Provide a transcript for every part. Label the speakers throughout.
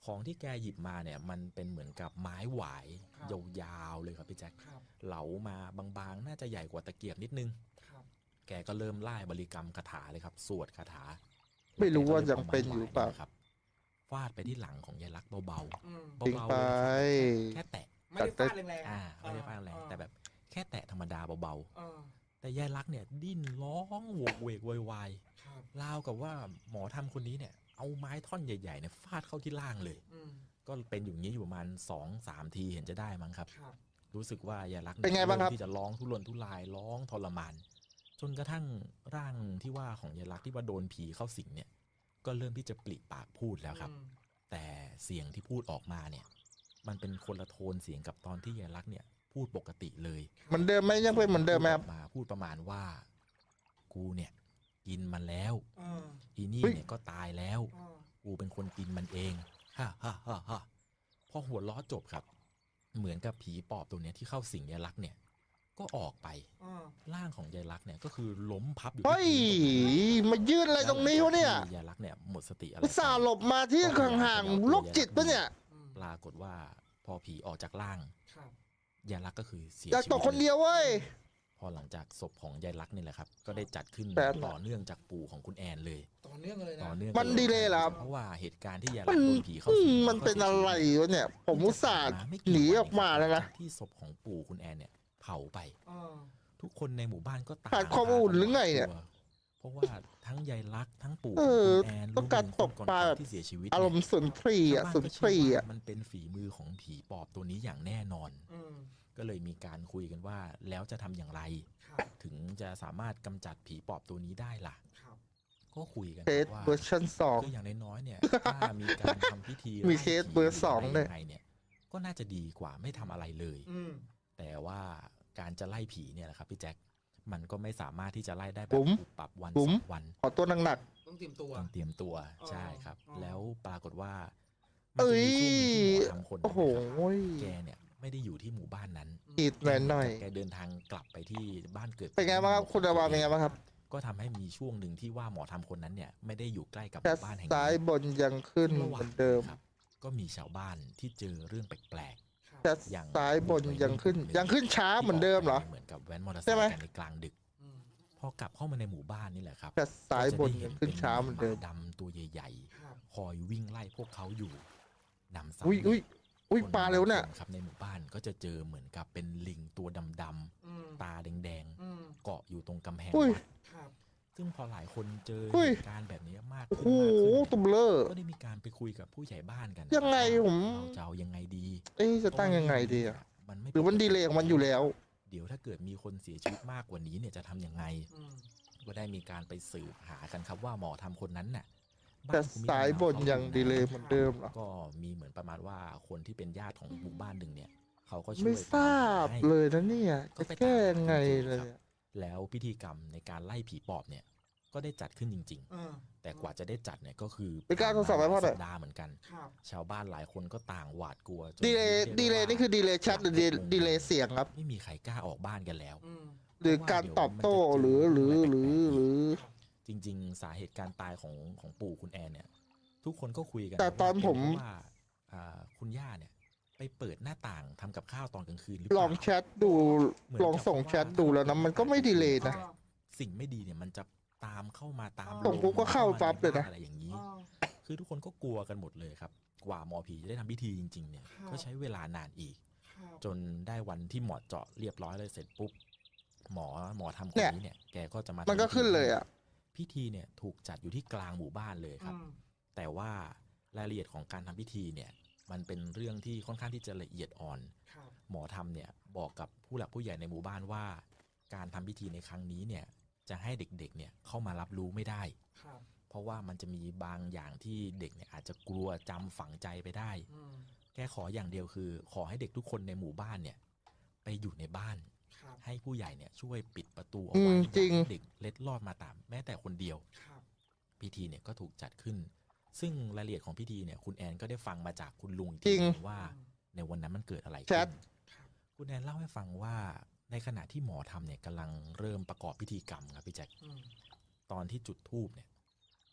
Speaker 1: ของที่แกหยิบมาเนี่ยมันเป็นเหมือนกับไม้หวาย
Speaker 2: ครับ
Speaker 1: ยาวๆเลยครับพี่แจ็ค
Speaker 2: ครับ
Speaker 1: เหลามาบางๆน่าจะใหญ่กว่าตะเกียบนิดนึง
Speaker 2: ครับ
Speaker 1: แกก็เริ่มไล่บริกรรมคาถาเลยครับสวดคาถา
Speaker 3: ไม่รู้ว่า
Speaker 1: แล้
Speaker 3: ยังเป็นอยู่
Speaker 1: แก
Speaker 3: เปล่า
Speaker 1: ก็เลยเอาไม้หวายนี่นะครับฟาดไปที่หลังของยายลักษณ์เบา
Speaker 2: อืม
Speaker 1: ๆ
Speaker 3: จริง
Speaker 1: เบา
Speaker 3: ไป
Speaker 1: ๆเลยนะครับแค่แตะ
Speaker 2: ไม่ได้ฟาดแรงๆ
Speaker 1: ไม่ได้ฟาดแรงแต่แบบแค่แตะธรรมดาเบา
Speaker 2: เออ
Speaker 1: ๆแต่ยายลักษณ์เนี่ยดิ้นร้องโวกเวกโวยวาย
Speaker 2: ครับ
Speaker 1: ราวกับว่าหมอทำคนนี้เนี่ยเอาไม้ท่อนใหญ่ๆเนี่ยฟาดเข้าที่ล่างเลย
Speaker 2: อืม
Speaker 1: ก็เป็นอยู่อย่างนี้อยู่ประมาณ 2-3 ทีเห็นจะได้มั้งครับ
Speaker 2: ครับ
Speaker 1: รู้สึกว่ายายลักษณ์
Speaker 3: เป็นไงบ้างครับ
Speaker 1: เริ่มที่จะร้องทุรนทุรายร้องทรมานจนกระทั่งร่างที่ว่าของยายลักษณ์ที่ว่าโดนผีเข้าสิงเนี่ยก็เริ่มที่จะปลิปากพูดแล้วครับ
Speaker 2: อืม
Speaker 1: แต่เสียงที่พูดออกมาเนี่ยมันเป็นคนละโทนเสียงกับตอนที่ยายลักษณ์เนี่ยพูดปกติเลย
Speaker 3: เหมือนเดิมไหมยังเป็นเหมือนเดิมไหมครับ
Speaker 1: มาพูดประมาณว่ากูเนี่ยกินมันแล้ว
Speaker 2: เออ
Speaker 1: อีนี่
Speaker 3: เฮ้ย
Speaker 1: เนี่ยก็ตายแล้ว
Speaker 2: เออ
Speaker 1: กูเป็นคนกินมันเองฮ่าฮ่าฮ่าฮ่าพอหัวล้อจบครับ เหมือนกับผีปอบตัวเนี้ยที่เข้าสิงยายลักษณ์เนี่ย ก็ออกไป
Speaker 2: เออ
Speaker 1: ร่างของยายลักษณ์เนี่ยก็คือล้มพับอยู่
Speaker 3: เฮ้ย
Speaker 1: ที่พื้น
Speaker 3: มายืนอะไรตรงนี้วะเนี่ย
Speaker 1: ยายลักษณ์เนี่ยหมดสติอะไร
Speaker 3: อุตส่าห์หลบมาที่ห่างๆโรคจิตปะเนี่ย
Speaker 2: อืม
Speaker 1: ปรากฏว่าพอผีออกจากร่าง
Speaker 2: ครับ
Speaker 1: ยายลักษณ์ก็คือเสีย
Speaker 3: อยาก
Speaker 1: ชี
Speaker 3: ต
Speaker 1: วิ
Speaker 3: ก
Speaker 1: ต
Speaker 3: คนเดียวเว้ย
Speaker 1: พอหลังจากศพของยายลักษณ์นี่แหละครับ ก็ได้จัดขึ้น
Speaker 3: แต่
Speaker 1: ต่อเนื่องจากปู่ของคุณแอนเลย
Speaker 2: ต่อเนื่องเลยนะ
Speaker 1: ต่อเนื่อง
Speaker 3: มันดีเลยเหรอครับ
Speaker 1: เพราะว่าเหตุการณ์ที่ยาย
Speaker 3: มั
Speaker 1: ลั
Speaker 3: น
Speaker 1: กษณ์โดนผีเข้าสิง
Speaker 3: มันเป็นอะไรวะเนี่ย ผมอุตส่าห์หนีออกมาแล้วนะ
Speaker 1: ที่ศพของปู่คุณแอนเนี่ยเผาไป
Speaker 2: เออ
Speaker 1: ทุกคนในหมู่บ้านก็ต่าง
Speaker 3: ขาดความอุ่นหรือไงเนี่ย
Speaker 1: เพราะว่าทั้งยายลักษณ์ทั้งปู่
Speaker 3: เอ
Speaker 1: ของ
Speaker 3: อ
Speaker 1: คุณแอน
Speaker 3: ต้องการตกปลาแบบ
Speaker 1: ที่เสียชีวิต
Speaker 3: อารมณ์สุนทรีย์อ่ะ
Speaker 1: ชาวบ้า
Speaker 3: สุน
Speaker 1: ก็
Speaker 3: ท
Speaker 1: เชื่
Speaker 3: รี
Speaker 1: อ
Speaker 3: ย์
Speaker 1: ว่า
Speaker 3: อ่ะ
Speaker 1: มันเป็นฝีมือของผีปอบตัวนี้อย่างแน่นอน
Speaker 2: อืม
Speaker 1: ก็เลยมีการคุยกันว่าแล้วจะทำอย่างไร
Speaker 2: ครับ
Speaker 1: ถึงจะสามารถกำจัดผีปอบตัวนี้ได้ล่ะ
Speaker 2: ครับ
Speaker 1: ก็คุยกัน
Speaker 3: เคส
Speaker 1: ว่า
Speaker 3: เวอร์ชันสอง
Speaker 1: คืออย่างน้อยๆเนี่ยถ้ามีการทำพิธี
Speaker 3: มีเคสเบอร์สองด้วย
Speaker 1: ไล่ผีหรืะไรงไงเนี่ยก็น่าจะดีกว่าไม่ทำอะไรเลย
Speaker 2: อืม
Speaker 1: แต่ว่าการจะไล่ผีเนี่ยแหละครับพี่แจ็คมันก็ไม่สามารถที่จะไล่ได้แบ
Speaker 3: บุ๋
Speaker 1: บ
Speaker 3: ม
Speaker 1: ปุบปับวัน
Speaker 3: บุ๋
Speaker 1: ส
Speaker 3: ม
Speaker 1: องวัน
Speaker 3: ขอตัวหนัก
Speaker 2: ต้องเตรียมตัว
Speaker 1: ต้องเตรียมตัว
Speaker 2: อ๋อ
Speaker 1: ใช่ครับ
Speaker 2: อ๋อ
Speaker 1: แล้วปรากฏว่า
Speaker 3: เอ้ย
Speaker 1: มันจะมีช่วงหนึ่งที่หมอทำคน
Speaker 3: ๆ โอ้โห
Speaker 1: แกเนี่ยไม่ได้อยู่ที่หมู่บ้านนั้น
Speaker 3: อีดหน่อย
Speaker 1: แกเดินทางกลับไปที่บ้านเกิด
Speaker 3: ๆเป็นไงบ้างครับคุณอาวาเป็นไงบ้างครับ
Speaker 1: ก็ทำให้มีช่วงหนึ่งที่ว่าหมอทำคนนั้นเนี่ยไม่ได้อยู่ใกล้กับห
Speaker 3: แค่
Speaker 1: มู่บ้านแห่ง
Speaker 3: ซ้าย
Speaker 1: นี้
Speaker 3: บนยังขึ้น
Speaker 1: ซึ่ง
Speaker 3: เห
Speaker 1: ระหว่า
Speaker 3: มื
Speaker 1: ง
Speaker 3: อนเดิม
Speaker 1: ครับก็มีชาวบ้านที่เจอเรื่องแปลก
Speaker 2: ครับ
Speaker 3: แค่
Speaker 1: อย่าง
Speaker 3: ซ้ายบนยังขึ้น ยังขึ้นช้า
Speaker 1: ๆ
Speaker 3: เหมือนเดิมเหรอ
Speaker 1: เหมือนกับแว้นมอเตอร์ไซ
Speaker 3: ใช่ไหม
Speaker 1: ค์กันในกลางดึก
Speaker 2: อืม
Speaker 1: พอกลับเข้ามาในหมู่บ้านนี่แหละครับ
Speaker 3: แค่ซ้ายบนยังขึ้นช้าเหมือนเดิม
Speaker 1: หดำตัวใหญ่
Speaker 2: ครับ
Speaker 1: ๆ คอยวิ่งไล่พวกเขาอยู่นำซ้ำ
Speaker 3: อุ้ยอุ้ยอุ้ยปลาเร็วเนี่ย
Speaker 1: ครับในหมู่บ้านก็จะเจอเหมือนกับเป็นลิงตัวดำ
Speaker 2: อืม
Speaker 1: ๆตาแดง
Speaker 2: อืม
Speaker 1: ๆเกาะอยู่ตรงกำแพง
Speaker 3: อุ้ย
Speaker 1: วัด
Speaker 2: ครับ
Speaker 1: ซึ่งพอหลายคนเจอ
Speaker 3: อุ้ย
Speaker 1: เหตุการณ์แบบนี้มาก
Speaker 3: โอ้โห
Speaker 1: ขึ้นมากขึ้น
Speaker 3: ตุ่มเลอร์
Speaker 1: ก็ได้มีการไปคุยกับผู้ใหญ่บ้านกัน
Speaker 3: ยังไงผม
Speaker 1: เราจะเอายังไงดี
Speaker 3: เอ๊ะจะตั้งยังไงดีอ่ะ
Speaker 1: มันไม่
Speaker 3: หรือมันดีเลยของมันอยู่แล้ว
Speaker 1: เดี๋ยวถ้าเกิดมีคนเสียชีวิตมากกว่านี้เนี่ยจะทำยังไง
Speaker 2: อืม
Speaker 1: ก็ได้มีการไปสืบหากันครับว่าหมอทำคนนั้นน่ะ
Speaker 3: แต่
Speaker 1: บ้นภูมิลำเน
Speaker 3: สายบนยังดีเลยเหมือนเดิมเหรอ
Speaker 1: ก็มีเหมือนประมาณว่าคนที่เป็นญาติของหมู่บ้านหนึ่งเนี่ยเขาก็ช่วย
Speaker 3: ไม่ทราบ
Speaker 1: ให้
Speaker 3: เลยนะเนี่ยจะแก้ยังไงเลยอะ
Speaker 1: แล้วพิธีกรรมในการไล่ผีปอบเนี่ยก็ได้จัดขึ้นจริง
Speaker 2: เออ
Speaker 1: ๆ แต่กว่าจะได้จัดเนี่ยก็คือ
Speaker 3: เป็นการทดสอบไว้เพราะอะไร
Speaker 1: สัปดาห์เหมือนกัน
Speaker 2: ครับ
Speaker 1: ชาวบ้านหลายคนก็ต่างหวาดกลัวจน
Speaker 3: ดีเลย
Speaker 1: รีก
Speaker 3: ดีเลย
Speaker 1: ว่า
Speaker 3: นี่คือดีเลยแชทหรือดีเลยเสียงครับ
Speaker 1: ไม่มีใครกล้าออกบ้านกันแล้ว
Speaker 2: อืม
Speaker 3: หรือการตอบโต้หรือ
Speaker 1: จริง ๆ สาเหตุการตายของปู่คุณแอนเนี่ย ทุกคนก็คุยกัน
Speaker 3: แต่ตอนผม
Speaker 1: ว่าคุณย่าเนี่ย ไปเปิดหน้าต่างทำกับข้าวตอนกลางคืนหรือ
Speaker 3: ล
Speaker 1: เป
Speaker 3: อ
Speaker 1: ล่า
Speaker 3: งแชทดูลองส่งแชทดูแล้วนะมันก็ไม่ดีเลยนะ
Speaker 1: สิ่งไม่ดีเนี่ยมันจะตามเข้ามาตาม
Speaker 3: ส่งปุ๊บก็เข้าปั๊บเลยนะ
Speaker 1: อะไรอย่างนี้
Speaker 2: อ๋อ
Speaker 1: คือทุกคนก็กลัวกันหมดเลยครับ กว่าหมอผีจะได้ทำพิธีจริง ๆ เนี่ย
Speaker 2: ครับ
Speaker 1: ก็ใช้เวลานานอีก
Speaker 2: ครับ
Speaker 1: จนได้วันที่หมอเจาะเรียบร้อยเลยเสร็จปุ๊บหมอทำคน
Speaker 3: เนี่ย
Speaker 1: นี้เนี่ยแกก็จะมา
Speaker 3: มันก็
Speaker 1: ทำพิธี
Speaker 3: ขึ้นเลยอ่ะ
Speaker 1: พิธีเนี่ยถูกจัดอยู่ที่กลางหมู่บ้านเลยครับ
Speaker 2: อืม
Speaker 1: แต่ว่ารายละเอียดของการทำพิธีเนี่ยมันเป็นเรื่องที่ค่อนข้างที่จะละเอียดอ่อน
Speaker 2: ครับ
Speaker 1: หมอทำเนี่ยบอกกับผู้หลักผู้ใหญ่ในหมู่บ้านว่า การทำพิธีในครั้งนี้เนี่ยจะให้เด็กๆเนี่ยเข้ามารับรู้ไม่ได้
Speaker 2: ครับ
Speaker 1: เพราะว่ามันจะมีบางอย่างที่เด็กเนี่ยอาจจะกลัวจำฝังใจไปได้
Speaker 2: อืม
Speaker 1: แกขออย่างเดียวคือ ขอให้เด็กทุกคนในหมู่บ้านเนี่ยไปอยู่ในบ้าน
Speaker 2: ครับ
Speaker 1: ให้ผู้ใหญ่เนี่ยช่วยปิดประตูเอา
Speaker 3: อื
Speaker 1: ไว้
Speaker 3: มจริง
Speaker 1: อย่าให้เด็กเล็ดลอดมาตามแม้แต่คนเดียว
Speaker 2: ครับ
Speaker 1: พิธีเนี่ยก็ถูกจัดขึ้น ซึ่งรายละเอียดของพิธีเนี่ยคุณแอนก็ได้ฟังมาจากคุณลุงอีก
Speaker 3: จริ
Speaker 1: ที
Speaker 3: ง
Speaker 1: หนึ่งว่าในวันนั้นมันเกิดอะไร
Speaker 3: แช
Speaker 1: ขึ้
Speaker 3: ท
Speaker 1: นคุณแอนเล่าให้ฟังว่าในขณะที่หมอทำเนี่ยกำลังเริ่มประกอบพิธีกรรมครับพี่แจ็ค
Speaker 2: อืม
Speaker 1: ตอนที่จุดธูปเนี่ย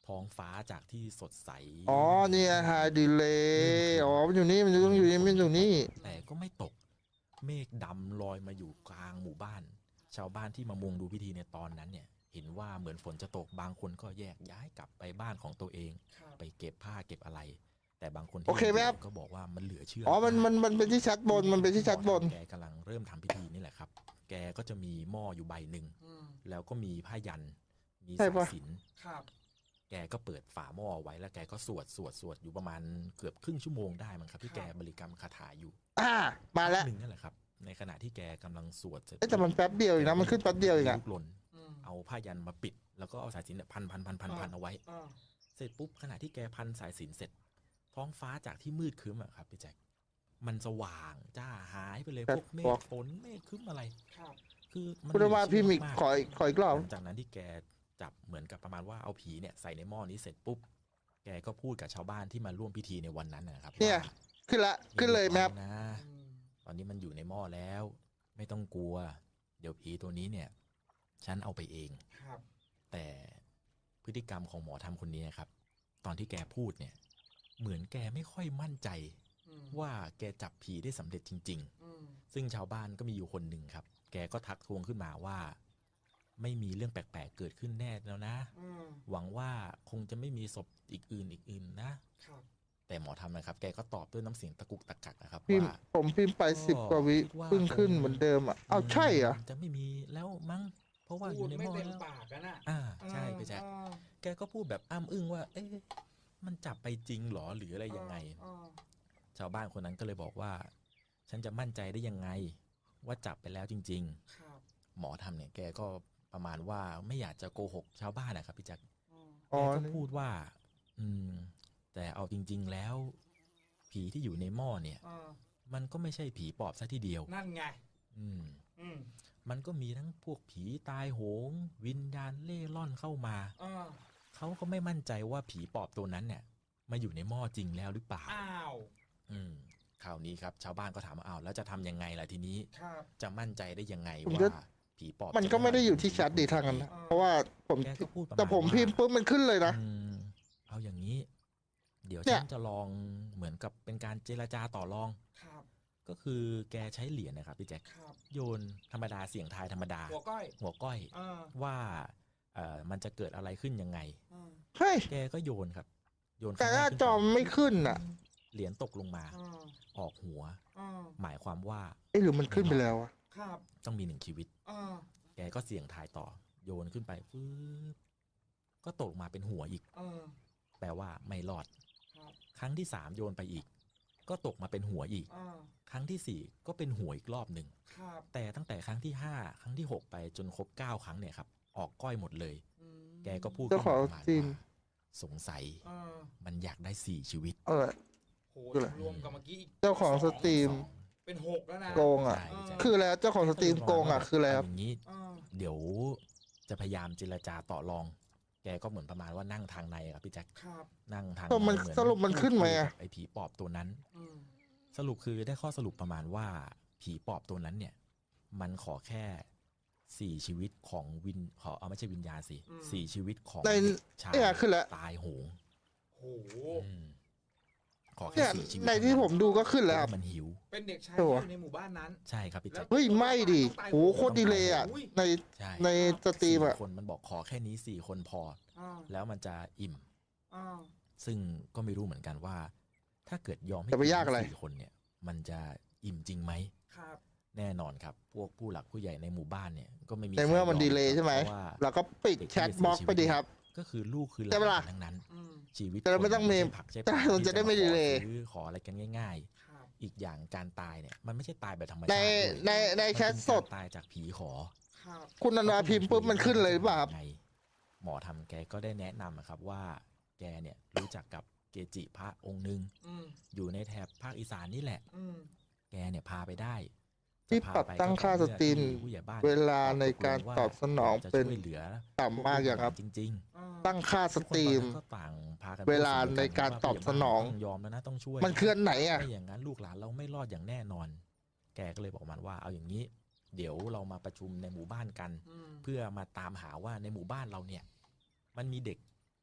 Speaker 1: ท้องฟ้าจากที่สดใส
Speaker 3: อ๋อเนี่ยไฮดีเลย์อ๋อมันอยู่นี่มันต้องอยู่นี่มันอยู่นี่
Speaker 1: แต่ก็ไม่ตก เมฆดำลอยมาอยู่กลางหมู่บ้าน ชาวบ้านที่มามุงดูพิธีในตอนนั้นเนี่ยเห็นว่าเหมือนฝนจะตกบางคนก็แยกย้ายกลับไปบ้านของตัวเอง
Speaker 2: ครับ
Speaker 1: ไปเก็บผ้าเก็บอะไร แต่บางคนที่
Speaker 3: โอเคไหมครับ
Speaker 1: ก็บอกว่ามันเหลือเชื่อ
Speaker 3: อ๋อ
Speaker 1: มาก
Speaker 3: มันเป็นที่ชั้นบน มันเป็นที่ชั้นบน
Speaker 1: แกกำลังเริ่มทำพิธีนี่แหละครับ แกก็จะมีหม้ออยู่ใบหนึ่ง
Speaker 2: อืม
Speaker 1: แล้วก็มีผ้ายัน มี
Speaker 3: ใช่
Speaker 1: สาย
Speaker 3: ปะ
Speaker 1: สิญจน์
Speaker 2: ครับ
Speaker 1: แกก็เปิดฝาหม้อไว้แล้วแกก็สวดอยู่ประมาณเกือบครึ่งชั่วโมงได้มั้งครับที่แกบริกรรมคาถาอยู่
Speaker 3: มาแล้ว
Speaker 1: หนึ่งนั่นแหละครับ ในขณะที่แกกำลังสวดเสร็จ
Speaker 3: เอ๊ะแต่มันแป๊บเดียวเองนะมันขึ้นแป๊บเดียวเองอะ
Speaker 1: ลูกหล่น
Speaker 2: อืม
Speaker 1: เอาผ้ายันมาปิด แล้วก็เอาสายสิญจน์เนี่ยพันเอาไว้
Speaker 2: อ่า
Speaker 1: เสร็จปุ๊บขณะที่แกพันสายสิญจน์เสร็จ ท้องฟ้าจากที่มืดครึ้มอะครับพี่แจ็คมันสว่างจ้าหายไปเลย
Speaker 3: ครับ
Speaker 1: พวกเมฆฝนเมฆครึ้มอะไร
Speaker 2: ครับ
Speaker 1: คือมัน
Speaker 3: คุณว่าพี่มิก
Speaker 1: เหลือ
Speaker 3: ขอ
Speaker 1: เชื่
Speaker 3: ขออีกรอบ
Speaker 1: หลังจากนั้นที่แกจับเหมือนกับประมาณว่าเอาผีเนี่ยใส่ในหม้อนี้เสร็จปุ๊บ แกก็พูดกับชาวบ้านที่มาร่วมพิธีในวันนั้นนะครับ
Speaker 3: เนี่ย
Speaker 1: ว่า
Speaker 3: ขึ้นละ ขึ้นเลยแมพ
Speaker 1: นะ
Speaker 2: อืม
Speaker 1: ตอนนี้มันอยู่ในหม้อแล้ว ไม่ต้องกลัว เดี๋ยวผีตัวนี้เนี่ย ฉันเอาไปเอง
Speaker 2: ครับ
Speaker 1: แต่พฤติกรรมของหมอทำคนนี้นะครับ ตอนที่แกพูดเนี่ย เหมือนแกไม่ค่อยมั่นใจ
Speaker 2: อืม
Speaker 1: ว่าแกจับผีได้สำเร็จจริง
Speaker 2: อืม
Speaker 1: ๆ ซึ่งชาวบ้านก็มีอยู่คนหนึ่งครับ แกก็ทักทวงขึ้นมาว่า ไม่มีเรื่องแปลกๆเกิดขึ้นแน่แล้วนะ
Speaker 2: อืม
Speaker 1: หวังว่าคงจะไม่มีศพอีกอื่นนะ
Speaker 2: ครับ
Speaker 1: แต่หมอทำนะครับ แกก็ตอบด้วยน้ำเสียงตะกุกตะกักนะครับ
Speaker 3: พิมพ์
Speaker 1: ว่า
Speaker 3: ผมพิมพ์ไป
Speaker 1: ก็
Speaker 3: 10 กว่าวิ
Speaker 1: คิดว่า
Speaker 3: เพิ่งขึ้นเหมือนเดิมอ่ะ เอาใช่เหรอ
Speaker 1: จะไม่มีแล้วมั้ง เพราะว่าอ
Speaker 2: พูด
Speaker 1: ยู่ในห
Speaker 2: ไม่
Speaker 1: ม้อ
Speaker 2: เต็ม
Speaker 1: แล้ว
Speaker 2: ปากกันน่ะ
Speaker 1: ใช่พี่แจ๊ค
Speaker 2: อ่า
Speaker 1: แกก็พูดแบบอ้ำอึ้งว่า เอ๊ะมันจับไปจริงเหรอหรืออะไรยังไง
Speaker 2: อ่า
Speaker 1: ชาวบ้านคนนั้นก็เลยบอกว่า ฉันจะมั่นใจได้ยังไง ว่าจับไปแล้วจริง
Speaker 2: ครับ
Speaker 1: ๆ หมอทำเนี่ยแกก็ประมาณว่าไม่อยากจะโกหกชาวบ้านนะครับพี่แจ๊ค
Speaker 2: อืม
Speaker 3: อ๋
Speaker 1: แก
Speaker 3: อ
Speaker 1: ก็พูดว่า แต่เอาจริง ๆ แล้ว ผีที่อยู่ในหม้อเนี่ย
Speaker 2: อ่า
Speaker 1: มันก็ไม่ใช่ผีปอบซะทีเดียว
Speaker 2: นั่นไง
Speaker 1: อืม
Speaker 2: อืม
Speaker 1: มันก็มีทั้งพวกผีตายโหง วิญญาณเล่ร่อนเข้ามา
Speaker 2: อ่า
Speaker 1: เขาก็ไม่มั่นใจว่าผีปอบตัวนั้นเนี่ย มาอยู่ในหม้อจริงแล้วหรือเปล่า
Speaker 2: อ้าว
Speaker 1: คราวนี้ครับ ชาวบ้านก็ถามว่าอ้าวแล้วจะทำยังไงล่ะทีนี้
Speaker 2: ครับ
Speaker 1: จะมั่นใจได้ยังไง
Speaker 3: ผม
Speaker 1: ว่า
Speaker 3: ก็
Speaker 1: ผีปอบ
Speaker 3: มันก็ไม่ได้อยู่ที่แชทดีทางนั้นนะเพราะว่าผม
Speaker 1: แกก็พูดประมาณ
Speaker 3: แต่ผม
Speaker 1: ว่า
Speaker 3: พิมพ์ปุ๊บมันขึ้นเลยนะ
Speaker 1: เอาอย่างนี้ เดี๋ยว
Speaker 3: เนี่ย
Speaker 1: ฉันจะลองเหมือนกับเป็นการเจรจาต่อรอง
Speaker 2: ครับ
Speaker 1: ก็คือแกใช้เหรียญนะครับพี่แจ็ค
Speaker 2: ครับ
Speaker 1: โยนธรรมดาเสียงทายธรรมดา
Speaker 2: หัวก้อย
Speaker 1: หัวก้อย
Speaker 2: อ่า
Speaker 1: ว่ามันจะเกิดอะไรขึ้นยังไง
Speaker 2: อ่า
Speaker 3: เฮ้ย
Speaker 1: แกก็โยนครับ โยน
Speaker 3: แต่
Speaker 1: ครั้ง
Speaker 3: ห
Speaker 1: แร
Speaker 3: น้าก
Speaker 1: ขึ้น
Speaker 3: จอ
Speaker 1: ไป
Speaker 3: มไม่ขึ้นอ่ะ
Speaker 1: เหรียญตกลงมา
Speaker 2: อ่า
Speaker 1: ออกหัว
Speaker 2: อ่า
Speaker 1: หมายความว่า
Speaker 3: เอ๊ะหรือมันขึ้นไปแล้วอะ
Speaker 2: ครับ
Speaker 1: ต้องมีหนึ่งชีวิต
Speaker 2: อ่า
Speaker 1: แกก็เสี่ยงทายต่อ โยนขึ้นไปฟืบก็ตกลงมาเป็นหัวอีก
Speaker 2: อ่า
Speaker 1: แปลว่าไม่รอด
Speaker 2: ครับ
Speaker 1: ครั้งที่สามโยนไปอีก ก็ตกมาเป็นหัวอีก
Speaker 2: อ่า
Speaker 1: ครั้งที่สี่ก็เป็นหัวอีกรอบหนึ่ง
Speaker 2: ครับ
Speaker 1: แต่ตั้งแต่ครั้งที่ห้าครั้งที่หกไปจนครบ9 ครั้งเนี่ยครับ ออกก้อยหมดเลย
Speaker 2: อืม
Speaker 1: แกก็พูด
Speaker 3: เจ้าของ
Speaker 1: ขึ้นมาประมาณ
Speaker 3: จีน
Speaker 1: ว่าสงสัย
Speaker 2: อ่า
Speaker 1: มันอยากได้4 ชีวิต
Speaker 3: เออ
Speaker 2: โห
Speaker 3: คืออะไร
Speaker 2: รวมกับเมื่อกี้อีก
Speaker 3: เจ้าของสตรีม
Speaker 2: เป็น6แล้วนะ
Speaker 3: โกงอ่ะ
Speaker 1: ใช่พี่แจ๊ค
Speaker 3: คือแล้วเจ้าของสตรีมโกงอ่ะ คืออะไรครับ
Speaker 1: เาอย่างนี้
Speaker 2: อ่า
Speaker 1: เดี๋ยวจะพยายามเจรจาต่อรอง แกก็เหมือนประมาณว่านั่งทางในครับพี่แจ็ค
Speaker 2: ครับ
Speaker 1: นั่งทาง
Speaker 3: เออมัน
Speaker 1: ในเหอ
Speaker 3: สรุปมันขึ้นไหมอะ
Speaker 1: พูดคุยกับไอ้ผีปอบตัวนั้น
Speaker 2: อืม
Speaker 1: สรุปคือได้ข้อสรุปประมาณว่าผีปอบตัวนั้นเนี่ย มันขอแค่4 ชีวิตของไม่ใช่วิญญาณสิ4 ชีวิตของ
Speaker 3: ใน
Speaker 1: เด็กชาย
Speaker 3: เนี่ยขึ้นแล้ว
Speaker 1: ตายโหง
Speaker 2: โห
Speaker 1: อืมขอแค่
Speaker 3: เนี่ย
Speaker 1: 4 ชีวิต
Speaker 3: ในที่ผมดูก็ขึ้นแล้วครับ
Speaker 1: มันหิว
Speaker 2: เป็นเด็กชาย
Speaker 3: ตั
Speaker 2: ที่
Speaker 3: ว
Speaker 2: อยู่ในหมู่บ้านนั้น
Speaker 1: ใช่ครับพี่แจ็ค
Speaker 3: เฮ้ยไม่ดิโหโคตรดีเลยอ่ะ ใน
Speaker 1: ใช่
Speaker 3: ในสตรีมอ่ะ
Speaker 1: 4 คนมันบอกขอแค่นี้4 คนพอ
Speaker 2: อ่า
Speaker 1: แล้วมันจะอิ่ม
Speaker 2: อ่า
Speaker 1: ซึ่งก็ไม่รู้เหมือนกันว่า ถ้าเกิดยอมให้
Speaker 3: จะไปยากอะไร
Speaker 1: 4 คนเนี่ย มันจะอิ่มจริงไหม
Speaker 2: ครับ
Speaker 1: แน่นอนครับ พวกผู้หลักผู้ใหญ่ในหมู่บ้านเนี่ยก็ไม่มี
Speaker 3: ในเมื่อมัน
Speaker 1: ใคร
Speaker 3: ดีเลย์ใช่ไหม
Speaker 1: พราะว่า
Speaker 3: เราก็ปิดแชทบล็อกไปดีครับ
Speaker 1: ก็คือลูกคือห
Speaker 3: ใช่ปะ
Speaker 1: ลา
Speaker 3: ล่ะ
Speaker 1: นทั้งนั้น
Speaker 2: อืม
Speaker 1: ชีวิต
Speaker 3: แต่เราไม่ต้อง
Speaker 1: คน
Speaker 3: มี
Speaker 1: ใช่ผักใช่ป
Speaker 3: แต่
Speaker 1: ลา
Speaker 3: มันจะได้ไม่ดีเลย์
Speaker 1: ขอซื้อขออะไรกันง่าย
Speaker 2: ครับ
Speaker 1: ๆ อีกอย่างการตายเนี่ย มันไม่ใช่ตายแบบธรรม
Speaker 3: ใน
Speaker 1: ชาติด้วย
Speaker 3: ในแชทสด
Speaker 1: มันเป็นการตายจากผีขอ
Speaker 2: ครับ
Speaker 3: คุณนันวาพิมพ์ปุ๊บมันขึ้นเลยหรือเปล่าครับ
Speaker 1: ไงหมอทำแกก็ได้แนะนำอะครับว่า แกเนี่ยรู้จักกับเกจิพระองค์หนึ่ง
Speaker 2: อืม
Speaker 1: อยู่ในแถบภาคอีสานนี่แหละ
Speaker 2: อืม
Speaker 1: แกเนี่ยพาไปได้
Speaker 3: ที่
Speaker 1: จะพา
Speaker 3: ปรับ
Speaker 1: ไป
Speaker 3: ตั้งค่า
Speaker 1: ก็
Speaker 3: ส
Speaker 1: ต่อ
Speaker 3: ตรีม
Speaker 1: เมื่อที่ผู้ใหญ่บ้าน
Speaker 3: เวลาในการตอบสนอง
Speaker 1: จะ
Speaker 3: เป็น
Speaker 1: ช่วยเหลือ
Speaker 3: ต่ำมากอย่างครับ
Speaker 1: จริง
Speaker 2: อ่า
Speaker 3: ตั้งค่า
Speaker 1: ๆ
Speaker 3: สตรีม
Speaker 1: ทุกคนตอนนั้นก็ต่างพากัน
Speaker 3: เวลาในการตอบสนอง
Speaker 1: ต้องยอมแล้วนะต้องช่วย
Speaker 3: มันเคลื่อนไหนอ่ะ
Speaker 1: ไม่อย่างนั้นลูกหลานเราไม่รอดอย่างแน่นอน แกก็เลยบอกมันว่าเอาอย่างนี้ เดี๋ยวเรามาประชุมในหมู่บ้านกัน
Speaker 2: อืม
Speaker 1: เพื่อมาตามหาว่าในหมู่บ้านเราเนี่ย มันมีเด็ก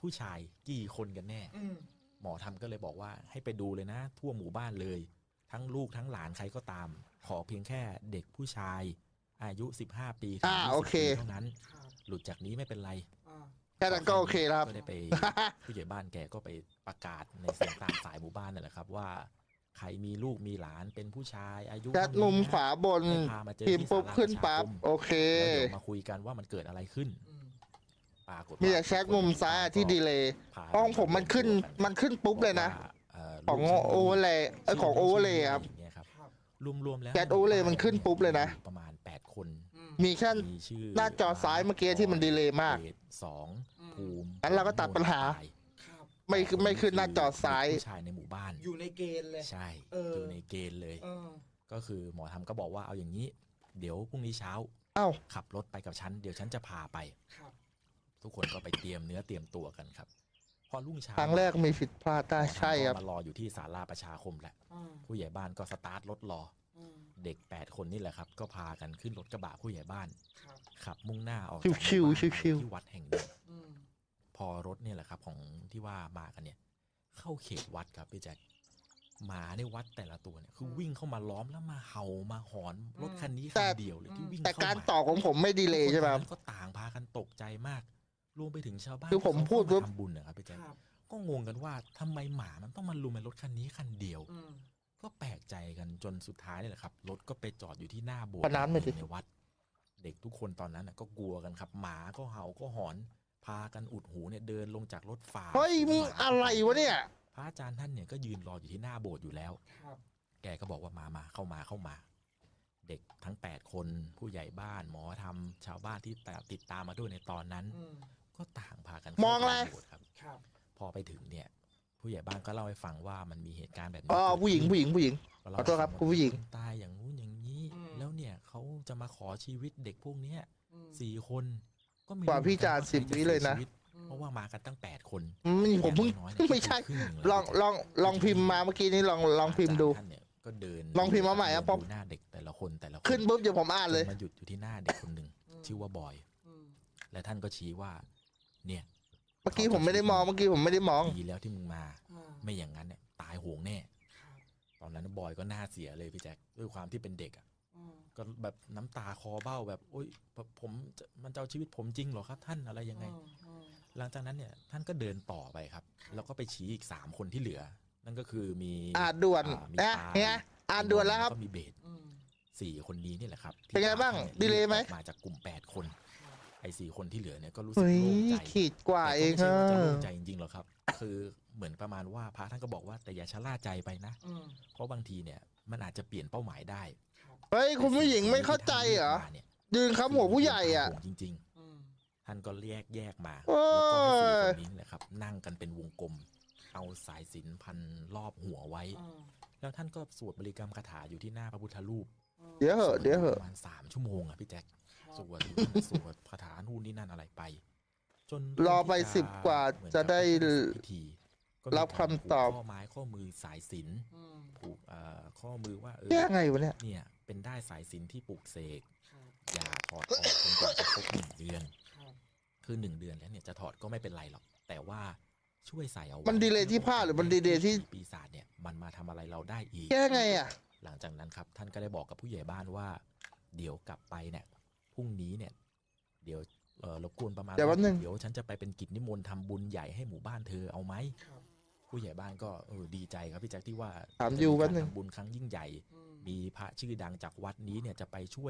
Speaker 1: ผู้ชายกี่คนกันแน่
Speaker 2: อืม
Speaker 1: หมอทำก็เลยบอกว่าให้ไปดูเลยนะ ทั่วหมู่บ้านเลย ทั้งลูกทั้งหลานใครก็ตาม ขอเพียงแค่เด็กผู้ชายอายุ15 ปีถึง
Speaker 3: โอ
Speaker 1: 20
Speaker 3: เค
Speaker 1: ปีเท่านั้น
Speaker 2: ครับ
Speaker 1: หลุดจากนี้ไม่เป็นไร
Speaker 2: อ่า
Speaker 3: แค่นั้นก็โอเคแล้วครับ
Speaker 1: ก็ได้ไป ผู้ใหญ่บ้านแกก็ไปประกาศในเสียงตามสายหมู่บ้านนั่นแหละครับว่าใครมีลูกมีหลานเป็นผู้ชายอายุ
Speaker 3: แชท
Speaker 1: เท่านี้
Speaker 3: มุม
Speaker 1: นะ
Speaker 3: ขวาบน
Speaker 1: ให้พามาเจอ
Speaker 3: พิมพ์
Speaker 1: ที่
Speaker 3: ปุ๊บ
Speaker 1: ศาลา
Speaker 3: ขึ้น
Speaker 1: ประชา
Speaker 3: ปั๊บ
Speaker 1: คม
Speaker 3: โอเค
Speaker 1: แล้วเดี๋ยวมาคุยกันว่ามันเกิดอะไรขึ้น
Speaker 2: อืม
Speaker 1: ปรากฏ
Speaker 3: มี
Speaker 1: ว่า
Speaker 3: แต่แชทมุมซ้ายที่ดีเลย์
Speaker 1: พา
Speaker 3: ห้องผมมันขึ้น มันขึ้นปุ๊บเลยนะ ของโอเวอร์เลยของโอเวอร์เลยครับ
Speaker 1: อย่างเงี้ยครับ
Speaker 2: ครับ
Speaker 1: รวมๆแล้ว
Speaker 3: แชท overlay มันขึ้นปุ๊บเลยนะ
Speaker 1: ประมาณ8 คน
Speaker 2: อืม
Speaker 3: มีแค่
Speaker 1: มีชื่อ
Speaker 3: หน้าจอซ้ายเมื่อกี้ที่มันดีเลย์มาก
Speaker 1: เดชสอง
Speaker 2: อืม
Speaker 1: ภูมิ
Speaker 3: งั้นเราก็ตัดปัญหา
Speaker 1: ตย
Speaker 2: ครับ
Speaker 3: ไม่ขึ้นหน้าจอซ้าย
Speaker 1: เด็กผู้ชายในหมู่บ้าน
Speaker 2: อยู่ในเกณฑ์เลย
Speaker 1: ใช่
Speaker 2: เออ
Speaker 1: อ
Speaker 2: อ
Speaker 1: ยู่ในเกณฑ์เลย
Speaker 2: เออ
Speaker 1: ก็คือหมอทำก็บอกว่าเอาอย่างนี้ เดี๋ยวพรุ่งนี้เช้า
Speaker 3: เอ้า
Speaker 1: ขับรถไปกับฉันเดี๋ยวฉันจะพาไป
Speaker 2: ครับ
Speaker 1: ทุกคนก็ไปเตรียมเนื้อเตรียมตัวกันครับ พอรุ่งเช้า
Speaker 3: ครั้งแรกมีผิดพลาดได้
Speaker 1: หมอทำ
Speaker 3: ใช่ครับ
Speaker 1: ก็มารออยู่ที่ศาลาประชาคมแหละ
Speaker 2: อ่า
Speaker 1: ผู้ใหญ่บ้านก็สตาร์ทรถรอ
Speaker 2: อืม
Speaker 1: เด็ก8 คนนี่แหละครับ ก็พากันขึ้นรถกระบะผู้ใหญ่บ้าน
Speaker 2: ครับ
Speaker 1: ขับมุ่งหน้าออก
Speaker 3: ชิ
Speaker 1: จาว ก
Speaker 3: ชิว
Speaker 1: หมู่บ้าน
Speaker 3: ชิวชิว
Speaker 1: ที่วัดแห่งหนึ่ง
Speaker 2: อืม
Speaker 1: พอรถเนี่ยแหละครับของที่ว่ามากันเนี่ย เข้าเขตวัดครับพี่แจ็คหมาในวัดแต่ละตัวเนี่ยคือวิ่งเข้ามาล้อมแล้วมาเห่ามาหอนรถคันนี้คันเดียวเลยที่วิ่ง
Speaker 3: แต่
Speaker 1: เข้า
Speaker 3: การ
Speaker 1: มา
Speaker 3: ต่อของผมไม่ดีเลย์ใช่ไหมครับ
Speaker 1: ทุกนก็ต่างพากันตกใจมาก รวมไปถึงชาวบ้าน
Speaker 3: คือผม
Speaker 1: ที่เขา
Speaker 3: พูดปุ๊บ
Speaker 1: เข้ามาทำบุญนะครับพี่แจ๊ค
Speaker 2: ครับ
Speaker 1: ก็งงกันว่าทำไมหมามันต้องมาลุมในรถคันนี้คันเดียว
Speaker 2: อืม
Speaker 1: ก็แปลกใจกันจนสุดท้ายนี่แหละครับรถก็ไปจอดอยู่ที่หน้าโบส
Speaker 3: ข
Speaker 1: ถ์
Speaker 3: นาดไม่
Speaker 1: ห
Speaker 3: ติ
Speaker 1: นึ่
Speaker 3: ด
Speaker 1: งในวัด เด็กทุกคนตอนนั้นน่ะก็กลัวกันครับ หมาก็เห่าก็หอน พากันอุดหูเนี่ยเดินลงจากรถฝ่า
Speaker 3: เฮ้ยมึงอะไรวะเนี่ย
Speaker 1: พระอาจารย์ท่านเนี่ยก็ยืนรออยู่ที่หน้าโบสถ์อยู่แล้ว
Speaker 2: ครับ
Speaker 1: แกก็บอกว่ามาเข้ามา เด็กทั้ง8 คนผู้ใหญ่บ้านหมอทำชาวบ้านที่ติดตามมาด้วยในตอนนั้น
Speaker 2: อืม
Speaker 1: ก็ต่างพากัน
Speaker 3: มองอะไร
Speaker 1: เข้าปโบสถ์ครับ
Speaker 2: ครับ
Speaker 1: พอไปถึงเนี่ย ผู้ใหญ่บ้านก็เล่าให้ฟังว่ามันมีเหตุการณ์แบบนี้
Speaker 3: อ๋อ
Speaker 1: เกิด
Speaker 3: ผู้หญิง
Speaker 1: ขึ้น
Speaker 3: ผู้หญิงผู้หญิง
Speaker 1: ก็เล่า
Speaker 3: ขอโทษครับ
Speaker 1: ให้ฟัง
Speaker 3: คุณผู้หญิง
Speaker 1: ว่าคนตายอย่างงู้นอย่างนี้
Speaker 2: อืม
Speaker 1: แล้วเนี่ยเขาจะมาขอชีวิตเด็กพวกเนี้ย
Speaker 2: อืม
Speaker 1: 4 คนก็ไม่
Speaker 3: กว่า
Speaker 1: รู้
Speaker 3: พี่จาน
Speaker 1: เหมือนกั
Speaker 3: 10วิเลยนะ
Speaker 1: ใครจสีชีวิต
Speaker 2: อืม
Speaker 1: เพราะว่ามากันตั้ง8 คน
Speaker 3: ผมเพิ่ง
Speaker 1: อย่างน้อยๆเนี่ย
Speaker 3: ไม่ใช่
Speaker 1: ครึ่งหนึ่
Speaker 3: ลองพิมพ์มาเมื่อกี้นี้ลองพิมพ์ดู
Speaker 1: ท่านเนี่ยก็เดิน
Speaker 3: ลองพิมพ์มาใหม่ครับ
Speaker 1: เดินดูหน้าเด็กแต่ละคน
Speaker 3: ขึ้นปุ๊บเดี๋ยวผมอ่านเลย
Speaker 1: จนมาหยุดอยู่ที่หน้าเด็กคนหนึ่งชื่อว่าบอย
Speaker 2: อืม
Speaker 1: และท่านก็ชี้ว่า เนี่ย
Speaker 3: เมื่อกี้ผมไม่ได้มอง
Speaker 1: ดีแล้วที่มึงมา
Speaker 2: อ่า
Speaker 1: ไม่อย่างนั้นเนี่ยตายโหงแน่
Speaker 2: ครับ
Speaker 1: ตอนนั้นบอยก็หน้าเสียเลยพี่แจ็คด้วยความที่เป็นเด็กอ่ะ
Speaker 2: อืม
Speaker 1: ก็แบบน้ำตาคอเบ้าแบบโอ๊ยมันจะเอาชีวิตผมจริงเหรอครับ ท่านอะไรยังไง
Speaker 2: อืม
Speaker 1: หลังจากนั้นเนี่ยท่านก็เดินต่อไปครับ
Speaker 2: ครับ
Speaker 1: แล้วก็ไปชี้อีก3 คนที่เหลือ นั่นก็คือมี
Speaker 3: อ่านด่วน
Speaker 1: มี
Speaker 3: นะ
Speaker 1: ปา
Speaker 3: เนี่ยอ่านด่วนแล้วครับ
Speaker 1: ก็มีเบส
Speaker 2: อืม
Speaker 1: 4 คนนี้นี่แหละครับที่
Speaker 3: เป็นไงบ้าง
Speaker 1: ท่นนี่
Speaker 3: ดีเลยไหม
Speaker 1: ออกมาจากกลุ่ม8 คน
Speaker 2: ครับ
Speaker 1: ไอ้4 คนที่เหลือเนี่ยก็รู้สึก
Speaker 3: เฮ้ย
Speaker 1: โล่งใจ
Speaker 3: ขีดกว่าเอง
Speaker 1: แต่ก็
Speaker 3: อะ
Speaker 1: ไม่ใช่ว่าจะโล่งใจจริงๆหรอกครับ คือเหมือนประมาณว่าพระท่านก็บอกว่าแต่อย่าชะล่าใจไปนะ
Speaker 2: อืม
Speaker 1: เพราะบางทีเนี่ยมันอาจจะเปลี่ยนเป้าหมายได้
Speaker 2: ครับ
Speaker 3: เฮ้ยคุณผู้หญิงไม่เข้าใจเหรอ
Speaker 1: แต่สิ่งที่ท่านเลือกมาเนี่ย
Speaker 3: ยืนค้ำหัวผู้ใหญ่อ่ะ
Speaker 1: จริง
Speaker 2: อืม
Speaker 1: ๆ ท่านก็แยกมา
Speaker 3: โอ้
Speaker 1: แล้วก็ให้4
Speaker 3: ย
Speaker 1: คนนี้แหละครับ นั่งกันเป็นวงกลม เอาสายสิญจนพันรอบหัวไว้
Speaker 2: อืม
Speaker 1: แล้วท่านก็สวดบริกรรมคาถาอยู่ที่หน้าพระพุทธรูป
Speaker 2: อืม
Speaker 3: เดี๋ยวเหอะเดี๋ยวเหอะ
Speaker 1: ประมาณ3 ชั่วโมงอ่ะพี่แจ็ค
Speaker 2: ครับ
Speaker 1: สวดคาถานู่นนี่นั่นอะไรไป จน
Speaker 3: รอไป
Speaker 1: ที่
Speaker 3: 10 กว่า
Speaker 1: เหมือน
Speaker 3: จะ
Speaker 1: กับ
Speaker 3: ได้
Speaker 1: พิธีก็มี
Speaker 3: รับคำตอบ
Speaker 1: ผูกข้อไม้ข้อมือสายสิญจน
Speaker 2: อืม
Speaker 1: ผูกข้อมือว่า
Speaker 3: แก้ไงวะเนี่ย
Speaker 1: เนี่ยเป็นได้สายสิญจนที่ปลูกเสก
Speaker 2: ครับ
Speaker 1: อย่าถอดออกจนกว่าจะครบ1 เดือน
Speaker 2: ครับ
Speaker 1: คือ1 เดือนแล้วเนี่ยจะถอดก็ไม่เป็นไรหรอก แต่ว่าช่วยใส่เอาไว้
Speaker 3: มันดีเลย์ที่ผ้าหรือมันดีเลย์ที่
Speaker 1: ปีศาจเนี่ยมันมาทำอะไรเราได้อีก
Speaker 3: แก้ไงอ่ะ
Speaker 1: หลังจากนั้นครับท่านก็ได้บอกกับผู้ใหญ่บ้านว่า เดี๋ยวกลับไปเนี่ยพรุ่งนี้เนี่ย เดี๋ยวรบกวนประมาณ
Speaker 3: เดี๋ยวแป๊บนึง
Speaker 1: เดี๋ยวฉันจะไปเป็นกิจนิมนต์ทำบุญใหญ่ให้หมู่บ้านเธอเอาไหม
Speaker 2: ครับ
Speaker 1: ผู้ใหญ่บ้านก็ดีใจครับพี่แจ็คที่ว่า
Speaker 3: ถามอยู่แป๊บนึง
Speaker 1: จะมีการทำบุญครั้งยิ่งใหญ่
Speaker 2: อืม
Speaker 1: มีพระชื่อดังจากวัดนี้เนี่ยจะไปช่วย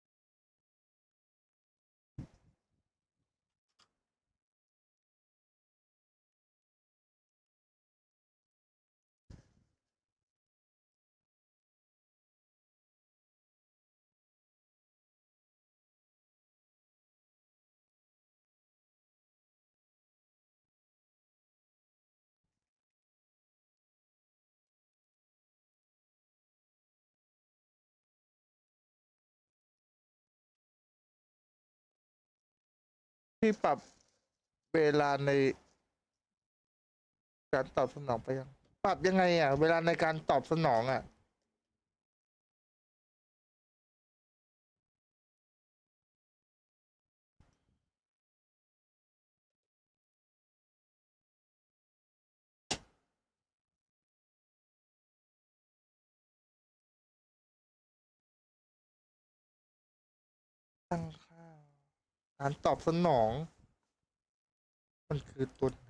Speaker 3: พี่ปรับเวลาในการตอบสนองไปยัง ปรับยังไงอ่ะ เวลาในการตอบสนองอ่ะตั้งค่าการตอบสนอง มันคือตัวไหน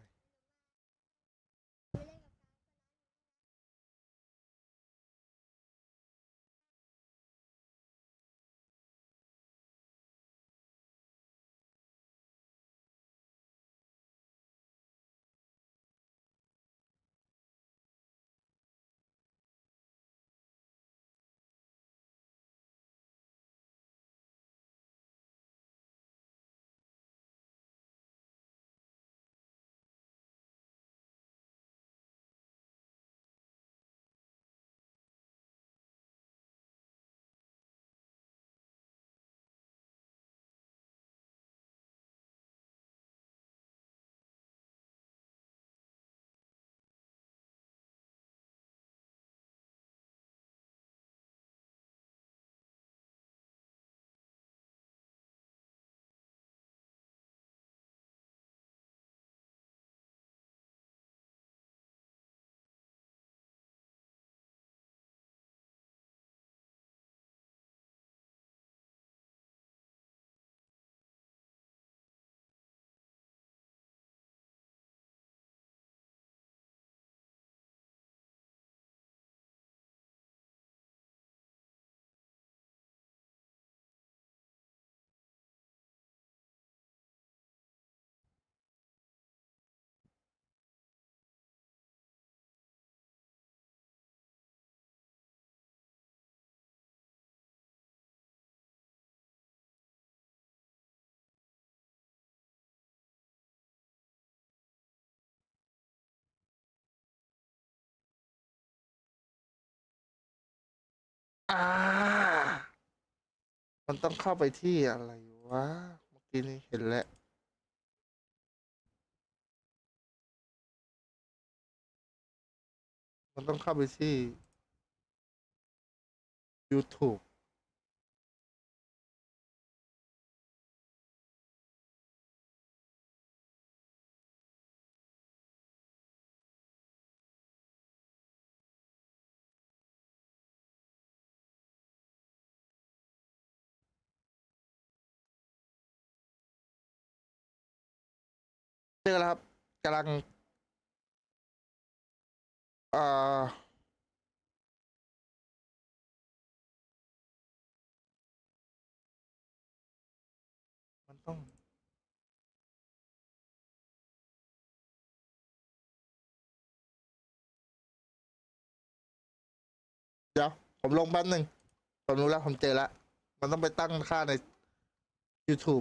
Speaker 3: อ่ามันต้องเข้าไปที่อะไรวะ เมื่อกี้นี้เห็นแล้ว มันต้องเข้าไปที่ YouTube เจอแล้วครับกำลังเอ่อมันต้อง เดี๋ยว ผมลงแป๊บหนึ่งผมรู้แล้ว ผมเจอแล้ว มันต้องไปตั้งค่าใน YouTube